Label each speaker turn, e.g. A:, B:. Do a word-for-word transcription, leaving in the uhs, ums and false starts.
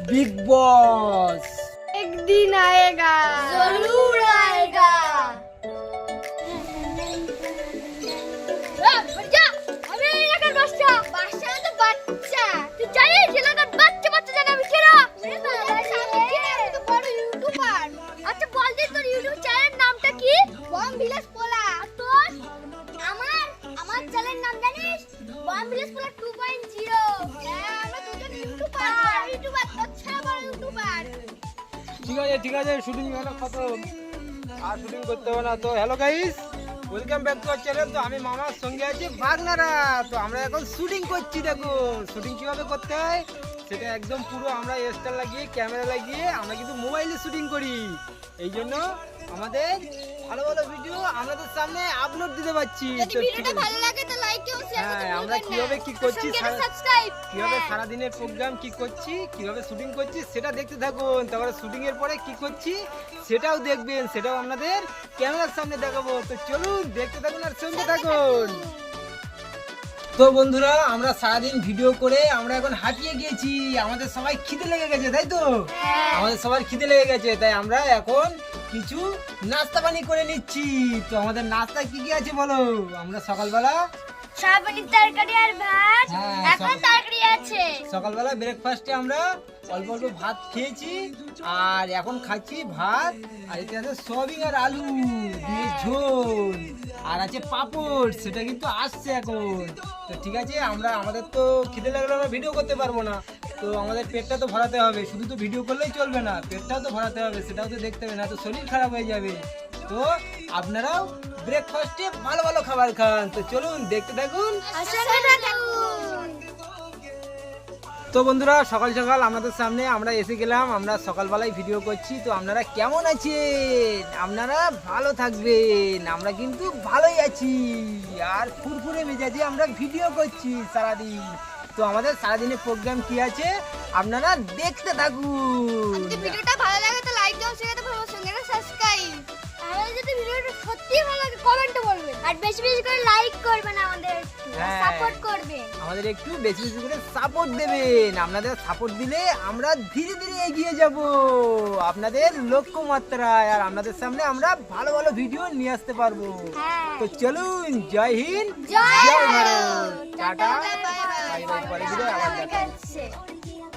A: Big boss
B: एक दिन आएगा,
C: जरूर आएगा।
B: আমি এই এলাকার বাচ্চা
C: বাচ্চা না তো বাচ্চা।
B: তুই জানিস এলাকার বাচ্চা বাচ্চা জানে আমি কেনা
C: ওরে বাবা, আমি কে? আমি তো বড় ইউটিউবার।
B: আচ্ছা বল দিন তোর ইউটিউব চ্যানেলের নামটা কি?
C: বম ভিলেজ পোলা।
B: আর তোর?
C: আমার আমার চ্যানেলের নাম জানিস? বম ভিলেজ পোলা টু পয়েন্ট জিরো। হ্যাঁ, আমরা দুজন ইউটিউবার। ইউটিউবার তো ছেড়ে বড় ইউটিউবার।
A: ঠিক আছে ঠিক আছে শুটিং হলো খতম আর শুটিং করতে হবে না তো hello guys welcome back to our channel তো আমি মামার সঙ্গে আছি বাগনারা তো আমরা এখন শুটিং করছি দেখুন শুটিং কিভাবে করতে হয় সেটা একদম পুরো আমরা স্টার লাগিয়ে ক্যামেরা লাগিয়ে আমরা কিন্তু মোবাইলে শুটিং করি এই জন্য আমাদের ভালো ভালো ভিডিও আপনাদের সামনে আপলোড দিতে পারছি
C: যদি
A: তো
C: ভিডিওটা ভালো লাগে তো লাইক এবং শেয়ার করতে
A: হ্যাঁ আমরা
C: ভুলবেন না।
A: কিভাবে কি করছি
C: সঙ্গে
A: সারা-
C: সাবস্ক্রাইব।
A: কিভাবে সারাদিনের প্রোগ্রাম কি করছি কিভাবে শুটিং করছি সেটা দেখতে থাকুন তারপরে শুটিং এর পরে কি করছি সেটাও দেখবেন সেটাও আপনাদের ক্যামেরার সামনে দেখাবো তো চলুন দেখতে থাকুন আর শুনতে থাকুন তো বন্ধুরা আমরা সারাদিন ভিডিও করে আমরা এখন হাঁপিয়ে গিয়েছি আমাদের সবাই খিদে লেগে গেছে তাই তো আমাদের সবার খিদে লেগে গেছে তাই আমরা এখন কিছু নাস্তা পানি করে নিচ্ছি তো আমাদের নাস্তা কি কি আছে বলো আমরা সকালবেলা
C: সয়াবিনের তরকারি আর ভাত।
A: হ্যাঁ,
C: এখন
A: সব-
C: তরকারি আছে।
A: সকালবেলা ব্রেকফাস্টে আমরা অল্প অল্প ভাত খেয়েছি আর এখন খাচ্ছি ভাত আর এতে আছে সয়াবিন আর আলু দিয়ে ঝোল আর আছে পাপড় সেটা কিন্তু আসছে এখন তো ঠিক আছে আমরা আমাদের তো খিদে লাগলে আমরা ভিডিও করতে পারবো না তো আমাদের পেটটা তো ভরাতে হবে শুধু তো ভিডিও করলেই চলবে না পেটটাও তো ভরাতে হবে সেটাও তো দেখতে হবে না তো শরীর খারাপ হয়ে যাবে তো আপনারাও ব্রেকফাস্টে ভালো ভালো খাবার খান তো চলুন দেখতে থাকুন
C: সঙ্গে থাকুন।
A: তো বন্ধুরা সকাল সকাল আমাদের সামনে আমরা এসে গেলাম আমরা সকালবেলায় ভিডিও করছি তো আপনারা কেমন আছেন আপনারা ভালো থাকবেন আমরা কিন্তু ভালোই আছি আর ফুরফুরে মেজাজে আমরা ভিডিও করছি সারাদিন তো আমাদের সারাদিনের প্রোগ্রাম কি আছে আপনারা দেখতে থাকুন
C: যদি ভিডিওটা ভালো লাগে তো লাইক দাও, শেয়ার করো, সঙ্গে সাবস্ক্রাইব। আর যদি ভিডিওটা সত্যি ভালো লাগে কমেন্টে বলবেন আর বেশি বেশি করে লাইক করবেন, আমাদের
A: হ্যাঁ।
C: সাপোর্ট করবেন।
A: আমাদের একটু বেশি বেশি করে সাপোর্ট দেবেন আপনাদের সাপোর্ট দিলে আমরা ধীরে ধীরে এগিয়ে যাব আপনাদের লক্ষ্যমাত্রায় আর আপনাদের সামনে আমরা ভালো ভালো ভিডিও নিয়ে আসতে পারবো
C: হ্যাঁ।
A: তো চলুন জয় হিন্দ
C: জয়
A: জয় Bharat
C: Bharat.
A: Tata
C: bye bye.
A: Bye bye পরে ভিডিও আবার দেখা
C: দেখা হচ্ছে।